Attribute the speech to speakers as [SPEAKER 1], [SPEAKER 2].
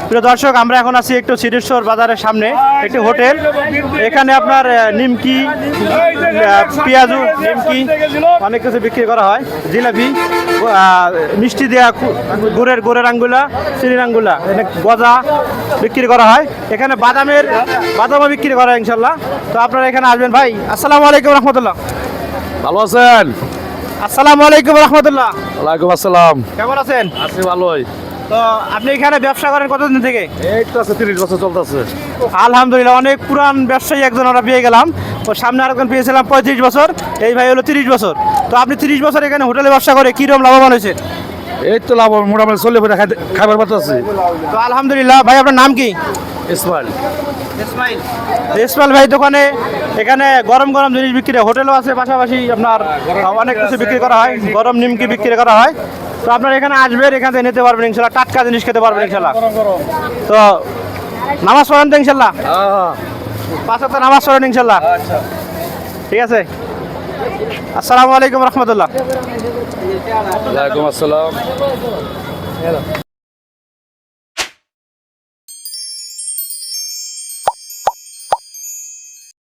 [SPEAKER 1] প্রিয় দর্শক, আমরা এখন আছি একটু সিদ্ধেশ্বর বাজারের সামনে একটি হোটেল। এখানে আপনার নিমকি, পেঁয়াজু, নিমকি অনেক কিছু বিক্রি করা হয়। জিলাপি, মিষ্টি দেওয়া গুড়ের আঙ্গুলা, চিনির আঙ্গুলা, গজা বিক্রি করা হয়। এখানে বাদামও বিক্রি করা হয় ইনশাল্লাহ। তো আপনারা এখানে আসবেন। ভাই আসসালামু আলাইকুম রহমতুল্লাহ।
[SPEAKER 2] ভালো আছেন?
[SPEAKER 1] আসসালামু আলাইকুম রহমতুল্লাহ।
[SPEAKER 2] ওয়ালাইকুম আসসালাম।
[SPEAKER 1] কেমন আছেন?
[SPEAKER 2] আছি ভালোই।
[SPEAKER 1] তো আপনি এখানে ব্যবসা করেন কতদিন থেকে?
[SPEAKER 2] এই তো আছে 30 বছর চলতেছে।
[SPEAKER 1] আলহামদুলিল্লাহ, অনেক পুরান ব্যবসায়ী একজন আমরা পেয়ে গেলাম। ও সামনে আরেকজন পেয়েছিলাম 35 বছর, এই ভাই হলো 30 বছর। তো আপনি 30 বছর এখানে হোটেলে ব্যবসা করে কীরকম লাভবান হয়েছে?
[SPEAKER 2] এই তো লাভ মোটামুটি চলে পড়ে খাবার পাতা আছে।
[SPEAKER 1] তো আলহামদুলিল্লাহ। ভাই আপনার নাম কি?
[SPEAKER 2] ইসমাইল।
[SPEAKER 1] ইসমাইল ভাই দোকানে এখানে গরম গরম জিনিস বিক্রি হয়, হোটেলও আছে, পাশাপাশি আপনার অনেক কিছু বিক্রি করা হয়, গরম নিমকি বিক্রি করা হয়। তো আপনারা এখানে আসবেন, এখান থেকে নিতে পারবেন ইনশাল্লাহ, টাটকা জিনিস খেতে পারবেন ইনশাল্লাহ। তো নামাজ পড়েন তো ইনশাল্লাহ? 5 ওয়াক্ত নামাজ পড়েন ইনশাল্লাহ। ঠিক আছে, আসসালামু আলাইকুম রহমতুল্লাহ।
[SPEAKER 2] ওয়ালাইকুম আসসালাম।